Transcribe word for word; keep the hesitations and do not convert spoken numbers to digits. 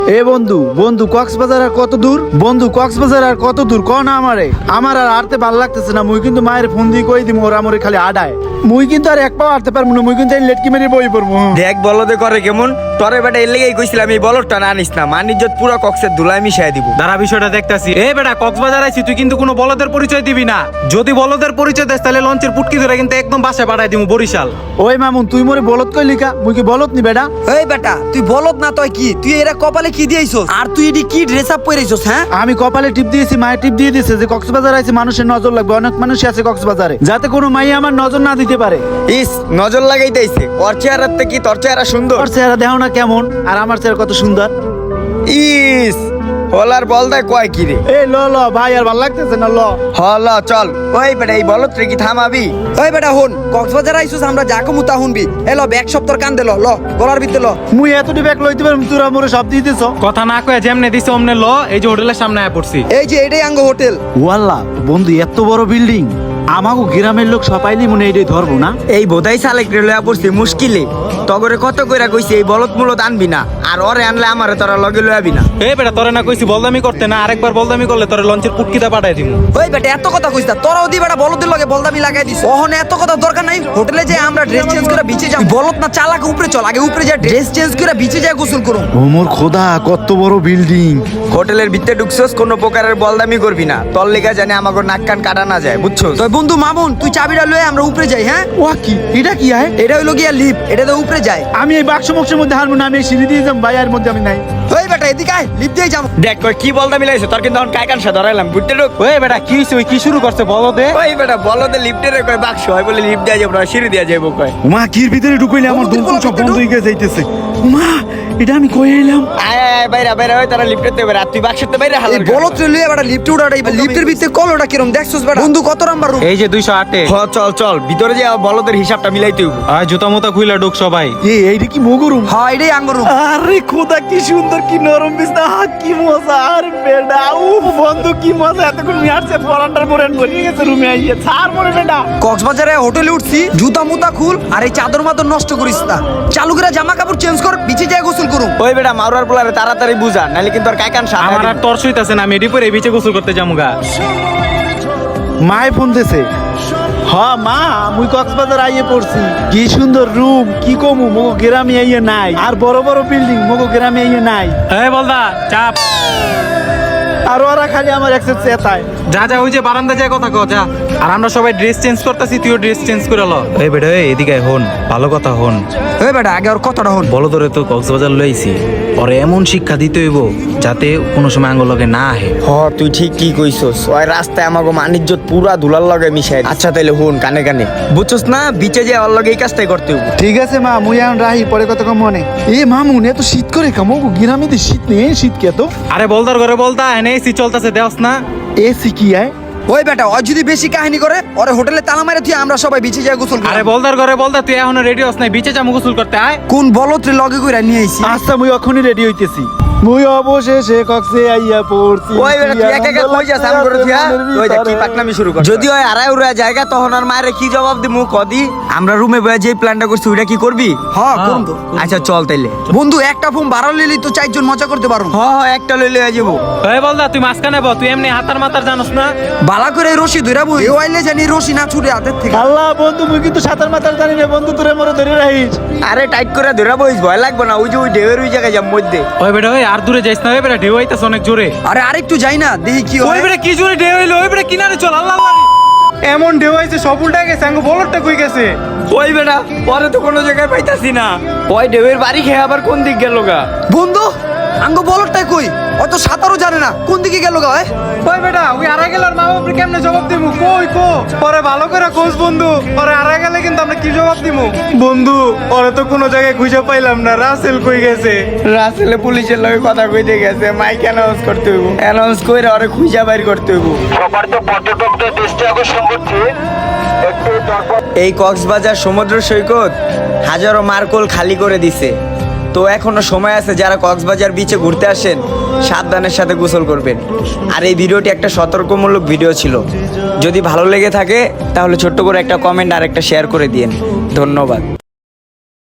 এ বন্ধু বন্ধু কক্সবাজার আর কত দূর? বন্ধু কক্সবাজার আর কত দূর ক না আমারে আমার আর আরতে ভাল লাগতেছে না। মুই কিন্তু মায়ের ফোন দিয়ে কই দিম ওরা মরে খালি আডায়। মুই কিন্তু আর এক পাও আরতে পারবো না। মুই কিন্তু এই লেটকি মেরে বই পড়বো। দেখ বলদে করে কেমন তরে বেটা এর লেগেই কইছিলাম এই বলদটা না আনিস না, মানিজ্জত পুরো কক্সের ধুলাই মিশাই দিব। দাঁড়া বিষয়টা দেখতাছি। এ বেটা কক্সবাজার আইছি, তুই কিন্তু কোনো বলদের পরিচয় দিবি না। যদি বলদের পরিচয় দেস তাহলে লঞ্চের পুটকি ধরে কিন্তু একদম বাসায় পাঠাই দিমু বরিশাল। ওই মামুন তুই মরে বলত কই লিখা? মুই কি বলত নি বেটা? এই বেটা তুই বলত না তুই কি? তুই এরা কপালে কি দিয়েছস? আর তুই এডি কি ড্রেস আপ পরেছস? হ্যাঁ আমি কপালে টিপ দিয়েছি, মায়ের টিপ দিয়ে দিয়েছে যে কক্সবাজার আইছে মানুষের নজর লাগবে। অনেক মানুষই আছে কক্সবাজারে, যাতে কোনো মাই আমার নজর না দিতে পারে। ইস নজর লাগাইতেইছে। ওর চেহারাতে কি তোর চেহারা সুন্দর? ওর চেহারা দেখো না কেমন, আর আমার চেহারা কত সুন্দর। ইস হলার বলদায় কয় কি রে? এ ল ল ভাই আর ভাল লাগতেছে না, ল হল চল। ওই বেটা এই বলত রে কি থামাবি? ওই বেটা হন, কক্সবাজার আইছস আমরা যা কমু তা শুনবি। এলো ব্যাগ সপ্তর কান দে ল ল গলার ভিতরে ল। মুই এতটি ব্যাগ লইতে পারম, তোরা মোরে সব দিয়ে দিছ। কথা না কয়ে যেমনে দিছে অমনে ল। এই যে হোটেলের সামনে আয় পড়ছি। এই যে এটাই আঙ্গ হোটেল। ওয়াল্লাহ বন্ধু এত বড় বিল্ডিং, আমাগো গ্রামের লোক সবাইলি মনে এইটাই ধরবো না। এই বোধাই সালেক রে লয়া পড়ছি মুশকিলে। তগরে কত কইরা কইছি এই বলত মূলত আনবি না, আর ওরে আনলে আমারে তোরা লগে লয়াবি না। এ বেটা তোরে না কইছি বলদামি করতে না, আরেকবার বলদামি করলে তোরে লঞ্চের পুটকিটা পাঠাই দিমু। ওই বেটা এত কথা কইছ না, তোরাও দি বেটা বলদের লগে বলদামি লাগাই দিছ। ওহনে এত কথা দরকার নাই। হোটেলে যে আমরা ড্রেস চেঞ্জ করে বিচে যাই, বলত না চালাকে উপরে চল। আগে উপরে যা ড্রেস চেঞ্জ করে বিচে যায় গোসল করুম। ও মোর খোদা কত বড় বিল্ডিং। হোটেলের ভিতরে ঢুকছস কোনো প্রকারের বলদামি করবি না, তোর লেগা জানে আমাগো নাক কান কাটা না যায়, বুঝছস? তো বন্ধু মামুন তুই চাবিটা লয়ে আমরা উপরে যাই। হ্যাঁ ওয়া কি এটা কি আয়? এটা হইলো গিয়া লিফট, এটা তো উপরে যায়। আমি এই বাক্স মক্সের মধ্যে হারবো না, আমি এই সিঁড়ি দিয়ে যাম ভাই, আর মধ্যে আমি নাই। ওই বেটা এদিকে আয়, লিফট দিয়ে যাবো। দেখ কই কি বলদামি লাইছ তোর, কিন্তু এখন কাইকান সা ধরাইলাম বুঝতে ঢুক। ওই বেটা কি হইছে? ওই কি শুরু করছে বলো দে। ওই বেটা বলদে লিফটে রে কই বাক্স হয় বলে লিফট দেয়া যাবে না, সিঁড়ি দেয়া যাবে কয়। উমা কির ভিতরে ঢুকাইলে আমার বন্ধু, দম সব ভিতরে বন্ধ হয়ে গিয়ে যাইতেছে। উমা এটা আমি কই এলাম? আয় আয় বাইরে বাইরে ওই তারা লিফটে তে বাইরে, আর তুই বাক্সতে বাইরে এই হালার বলত লয়ে বেটা লিফটে উঠাই। লিফটের ভিতরে কলটা কিরম দেখছস বেটা? বন্ধু কত নাম্বার রুম? এই যে দুইশো আটে। হ চল চল ভিতরে যে বলদের হিসাবটা মিলাইতে হইব। আয় জুতা মুতা খুইলা ঢুক সবাই। এই এইটা কি মগরুম? হ্যাঁ এটাই আঙ্গ রুম। আরে খোদা কি সুন্দর, কি নরম বিছনা, আহ, কি মজা। আর বেডা উফ বন্ধু কি মজা। এতক্ষণ মিয়ারছে পরান্ডার পরে বনিয়ে গেছে রুমে আইয়ে ছাড় মরে বেডা। কক্সবাজারে হোটেলে উঠছি, জুতা মুতা খুল আর এই চাদর মাদর নষ্ট করিস না। চালু করে জামা কাপড় চেঞ্জ কর, বিচে যায় গোসল করুম। ওই বেটা মারুয়ার পোলারে তাড়াতাড়ি বুঝা, নাইলে কিন্তু আর কাইকান সা আমার আর তর সইতাছে না, আমি এডি পরে বিচে গোসল করতে যামুগা। মায় ফোন দিছে। হ মা মুই কক্সবাজার আইয়ে পড়ছি। কি সুন্দর রুম, কি কমু মগো গ্রামে আইয়ে নাই। আর বড় বড় বিল্ডিং মগো গ্রামে আইয়ে নাই। এই বলদা চাপ। আর ওরা খালি আমার একসেট চেতায়। যা যা ওই যে বারান্দা যায় কথা কও যা। আর আমরা সবাই ড্রেস চেঞ্জ করতেছি, তুইও ড্রেস চেঞ্জ করে ল। এই বেটা এই এদিকে আয়, হন ভালো কথা হন। ওই বেটা আগে ওর কথাটা হন। বলো তোরে তো কক্সবাজার লইছি, ওরে এমন শিক্ষা দিতে হইব যাতে কোনো সময় আঙ্গুল লগে না আহে। হ তুই ঠিক কি কইছস। ওই রাস্তায় আমাগো মানিজ্জত পুরা ধুলার লগে মিশাই। আচ্ছা তাইলে হুন কানে কানে, বুঝছস না বিচে যে ওর লগে এই কাজটাই করতে হইব। ঠিক আছে মা মুই এখন রাহি, পরে কত কম মনে। এ মামুন এত শীত করে কামো গ্রামে তো শীত নেই, শীত কে তো। আরে বলদার ঘরে বলদা এনে এসি চলতেছে দেওস না। এসি কি আয়? ওই বেটা ও যদি বেশি কাহিনী করে ওরে হোটেলে তালা মারে তুই আমরা সবাই বিচে যায় গোসল আরে করি। বলদার ঘরে বলদা তুই এখনো রেডি হস নাই, বিচে যামু গোসল করতে আয়। কোন বলত রে লগে কইরা নিয়ে আইছি। আচ্ছা মুই এখনই রেডি হইতেছি। মুই অবশেষে কক্সে আইয়া পড়ছি। ওই বেটা তুই একা একা কই যাস? আম করে দিয়া ওই দেখ কি পাকনামি শুরু কর। যদি ওই আড়াই উড়া জায়গা তখন আর মায়ের কি জবাব দিমু কদি? আমরা রুমে বয়ে যে প্ল্যানটা করছি ওইটা কি করবি? হ্যাঁ করুন তো। আচ্ছা চল তাইলে। বন্ধু একটা ফোন ভাড়া লইলি তো চারজন মজা করতে পারো। হ হ একটা লইলে হয়ে যাবো। এই বলদা তুই মাঝখানে ব, তুই এমনি হাতার মাতার জানোস না। বালা করে রশি ধইরা বই এ আইলে জানি রশি না ছুটে হাতের থেকে। আল্লাহ বন্ধু মুই কিন্তু সাঁতার মাতার জানি না বন্ধু, তোরে মরে ধরে রাখিস। আরে টাইট করে ধরা বইস, ভয় লাগবে না। ওই যে ওই ঢেউয়ের ওই জায়গায় যাম মধ্যে। ওই বেটা ওই আর দূরে যাইস না, ওই বেটা ঢেউ আইতাছে অনেক জোরে। আরে আরেকটু যাই না দেখি কি ওই হয়। বেটা কি জোরে ঢেউ হইলো, ওই বেটা কিনারে চল। আল্লাহ আল্লাহ এমন ঢেউ আইছে সব উল্টা গেছে, আঙ্গো বলরটা কই গেছে। ওই বেটা পরে তো কোনো জায়গায় পাইতাছি না। ওই ঢেউয়ের বাড়ি খেয়ে আবার কোন দিক গেল গা? বন্ধু আঙ্গ বলটাই কই? অত সাঁতারও জানে না, কোন দিকে গেল গা? ওই ওই বেটা ওই আড়াই গেল আর মা বাপরে কেমনে জবাব দিমু? কই কো পরে ভালো করে খোঁজ বন্ধু, পরে আড়াই গেলে কিন্তু আমরা কি জবাব দিমু? বন্ধু ওরে তো কোনো জায়গায় খুঁজে পাইলাম না, রাসেল কই গেছে? রাসেলে পুলিশের লগে কথা কইতে গেছে, মাইক অ্যানাউন্স করতে হইব। অ্যানাউন্স কইরা ওরে খুঁজা বাইর করতে হইব। সবার তো পর্যটকদের দৃষ্টি আকর্ষণ করছে একটু দরকার। এই কক্সবাজার সমুদ্র সৈকত হাজারো মার্কোল খালি করে দিছে। তো এখনো সময় আছে, যারা কক্সবাজার বিচে ঘুরতে আসেন সাবধানের সাথে গোসল করবেন। আর এই ভিডিওটি একটা সতর্কমূলক ভিডিও ছিল। যদি ভালো লেগে থাকে তাহলে ছোট্ট করে একটা কমেন্ট আর একটা শেয়ার করে দিন। ধন্যবাদ।